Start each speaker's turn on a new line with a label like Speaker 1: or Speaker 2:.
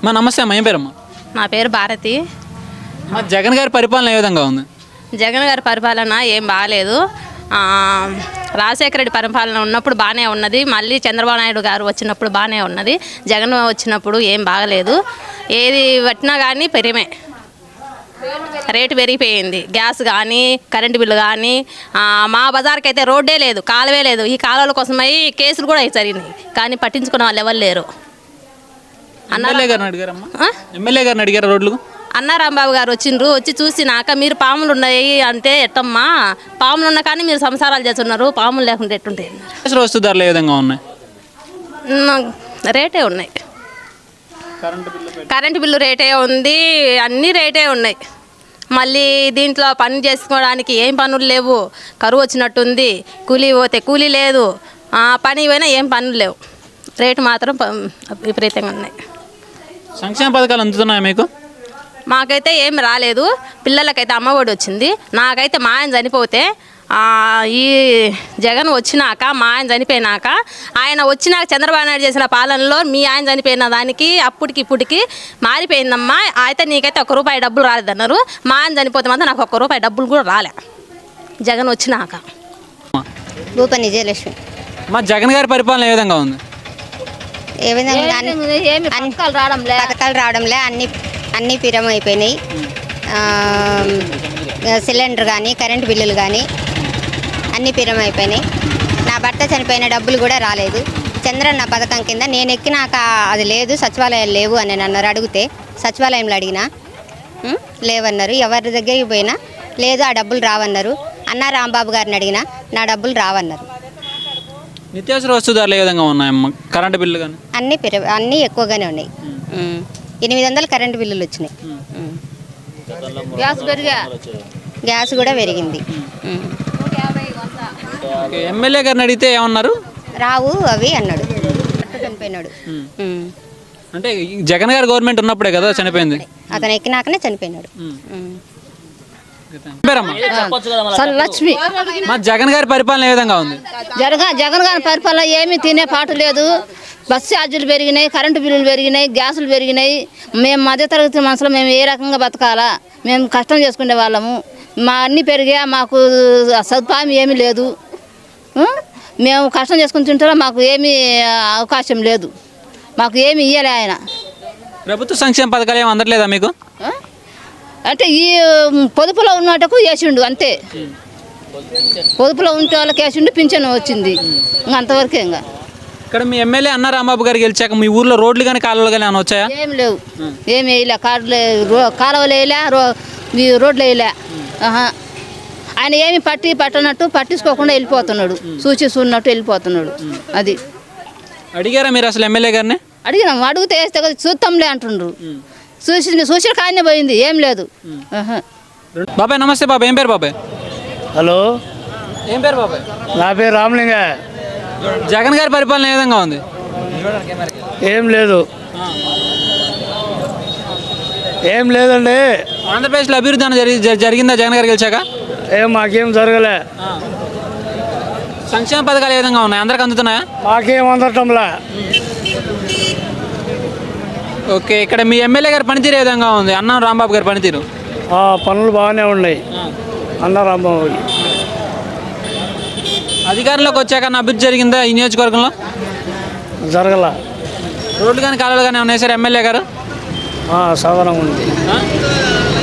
Speaker 1: మా నమస్తే అమ్మ, ఏం పేరమ్మా?
Speaker 2: నా పేరు భారతి.
Speaker 1: మా జగన్ గారి పరిపాలన ఏ విధంగా ఉంది?
Speaker 2: జగన్ గారి పరిపాలన ఏం బాగాలేదు. రాజశేఖర రెడ్డి పరిపాలన ఉన్నప్పుడు బాగానే ఉన్నది, మళ్ళీ చంద్రబాబు నాయుడు గారు వచ్చినప్పుడు బాగానే ఉన్నది. జగన్ వచ్చినప్పుడు ఏం బాగలేదు. ఏది పట్టినా కానీ పెరిమే రేటు పెరిగిపోయింది. గ్యాస్ కానీ కరెంటు బిల్లు కానీ. మా బజార్కి అయితే రోడ్డే లేదు, కాలువే లేదు. ఈ కాలువల కోసమై కేసులు కూడా జరిగినాయి, కానీ పట్టించుకునే వాళ్ళు ఎవరు లేరు.
Speaker 1: ఎమ్మెల్యే గారిని అడిగారా రోడ్లు?
Speaker 2: అన్నారాంబాబు గారు వచ్చిండ్రు, వచ్చి చూసినాక మీరు పాములు ఉన్నాయి అంటే ఎట్టమ్మా, పాములు ఉన్నా కానీ మీరు సంసారాలు చేస్తున్నారు, పాములు లేకుండా ఎట్టుంటాయి.
Speaker 1: వస్తు ధరలు ఏ విధంగా ఉన్నాయి?
Speaker 2: రేటే ఉన్నాయి. కరెంటు బిల్లు రేటే ఉంది, అన్నీ రేటే ఉన్నాయి. మళ్ళీ దీంట్లో పని చేసుకోవడానికి ఏం పనులు లేవు, కరువు వచ్చినట్టుంది. కూలీ పోతే కూలీ లేదు, పని పోయినా ఏం పనులు లేవు. రేటు మాత్రం విపరీతంగా ఉన్నాయి.
Speaker 1: సంక్షేమ పథకాలు అందుతున్నాయా మీకు?
Speaker 2: మాకైతే ఏం రాలేదు. పిల్లలకైతే అమ్మఒడి వచ్చింది. నాకైతే మా ఆయన చనిపోతే ఈ జగన్ వచ్చినాక, మా ఆయన చనిపోయినాక, ఆయన వచ్చినాక చంద్రబాబు నాయుడు చేసిన పాలనలో మీ ఆయన చనిపోయిన దానికి అప్పటికి ఇప్పటికి మారిపోయిందమ్మా. అయితే నీకైతే ₹1 డబ్బులు రాలేదన్నారు. మా ఆయన చనిపోతే మాత్రం నాకు ₹1 డబ్బులు కూడా రాలే జగన్ వచ్చినాక.
Speaker 3: భూపని విజయలక్ష్మి.
Speaker 1: మా జగన్ గారి పరిపాలన ఏ విధంగా ఉంది?
Speaker 3: ఏ విధంగా పథకాలు రావడంలే, అన్నీ పిరం అయిపోయినాయి. సిలిండర్ కానీ కరెంటు బిల్లులు కానీ అన్నీ పిరం అయిపోయినాయి. నా భర్త చనిపోయిన డబ్బులు కూడా రాలేదు. చంద్రన్న పథకం కింద నేను ఎక్కినాక అది లేదు, సచివాలయాలు లేవు అని అన్నారు. అడిగితే సచివాలయంలో అడిగినా లేవన్నారు. ఎవరి దగ్గరికి పోయినా లేదు, ఆ డబ్బులు రావన్నారు. అన్నారాంబాబు గారిని అడిగినా నా డబ్బులు రావన్నారు.
Speaker 1: నిత్యావసర వస్తు ధరలు ఏ విధంగా ఉన్నాయమ్మా? కరెంటు బిల్లు కానీ
Speaker 3: అన్నీ ఎక్కువగానే ఉన్నాయి. 800 కరెంటు బిల్లులు వచ్చినాయి. గ్యాస్ కూడా పెరిగింది.
Speaker 1: ఎమ్మెల్యే గారిని అడిగితే ఏమన్నారు?
Speaker 3: రావు అవి అన్నాడు. చనిపోయినాడు.
Speaker 1: అంటే జగన్ గారి గవర్నమెంట్ ఉన్నప్పుడే కదా చనిపోయింది.
Speaker 3: అతను ఎక్కినాకనే చనిపోయినాడు.
Speaker 4: లక్ష్మి.
Speaker 1: మా జగన్ గారి పరిపాలన ఏ విధంగా ఉంది?
Speaker 4: జగన్ గారి పరిపాలన ఏమీ తినే పాటు లేదు. బస్సు ఛార్జీలు పెరిగినాయి, కరెంటు బిల్లులు పెరిగినాయి, గ్యాసులు పెరిగినాయి. మేము మధ్యతరగతి మనుషులు మేము ఏ రకంగా బతకాలా? మేము కష్టం చేసుకునే వాళ్ళము. మా అన్నీ పెరిగా, మాకు సదుపాయం ఏమీ లేదు. మేము కష్టం చేసుకుని తింటారా, మాకు ఏమీ అవకాశం లేదు. మాకు ఏమి ఇయ్యలే ఆయన.
Speaker 1: ప్రభుత్వ సంక్షేమ పథకాలు ఏమి అందట్లేదా మీకు?
Speaker 4: అంటే ఈ పొదుపులో ఉన్నటకు వేసిండు అంతే. పొదుపులో ఉంటే వాళ్ళకి వేసిండు, పింఛన్ వచ్చింది. ఇంకా అంతవరకే. ఇంకా
Speaker 1: ఇక్కడ మీ ఎమ్మెల్యే అన్నారాంబాబు గారు గెలిచాక మీ ఊర్లో రోడ్లు కానీ కాలువలు కానీ ఏమైనా వచ్చాయా?
Speaker 4: ఏం లేవు, ఏమి వేయలే. కాలువలు వేయలే, రోడ్లు వేయలే. ఆయన ఏమి పట్టనట్టు పట్టించుకోకుండా వెళ్ళిపోతున్నాడు. చూసినట్టు వెళ్ళిపోతున్నాడు. అది
Speaker 1: అడిగారా మీరు అసలు ఎమ్మెల్యే గారిని?
Speaker 4: అడిగినాం. అడిగితే వేస్తే కదా చూస్తాంలే అంటుండ్రు. చూసి కానీ పోయింది, ఏం లేదు.
Speaker 1: బాబాయ్ నమస్తే. బాబాయ్ ఏం పేరు? బాబాయ్
Speaker 5: హలో,
Speaker 1: ఏం పేరు బాబాయ్?
Speaker 5: నా పేరు రామలింగ.
Speaker 1: జగన్ గారి పరిపాలన ఏ విధంగా ఉంది?
Speaker 5: ఏం లేదు, ఏం లేదండి.
Speaker 1: ఆంధ్రప్రదేశ్లో అభివృద్ధి అని జరిగిందా జగన్ గారు గెలిచాక?
Speaker 5: మాకేం జరగలే.
Speaker 1: సంక్షేమ పథకాలు ఏ విధంగా ఉన్నాయి? అందరికి అందుతున్నాయా?
Speaker 5: మాకేం అందటంలా.
Speaker 1: ఓకే, ఇక్కడ మీ ఎమ్మెల్యే గారి పనితీరు ఏ విధంగా ఉంది? అన్నారాంబాబు గారి పనితీరు?
Speaker 5: పనులు బాగానే ఉన్నాయి. అన్నారాంబాబు
Speaker 1: అధికారంలోకి వచ్చాక అభివృద్ధి జరిగిందా ఈ నియోజకవర్గంలో?
Speaker 5: జరగల.
Speaker 1: రోడ్లు కానీ కాలువలు కానీ ఏమైనా వేసారు ఎమ్మెల్యే గారు?
Speaker 5: సాధారణంగా ఉంది.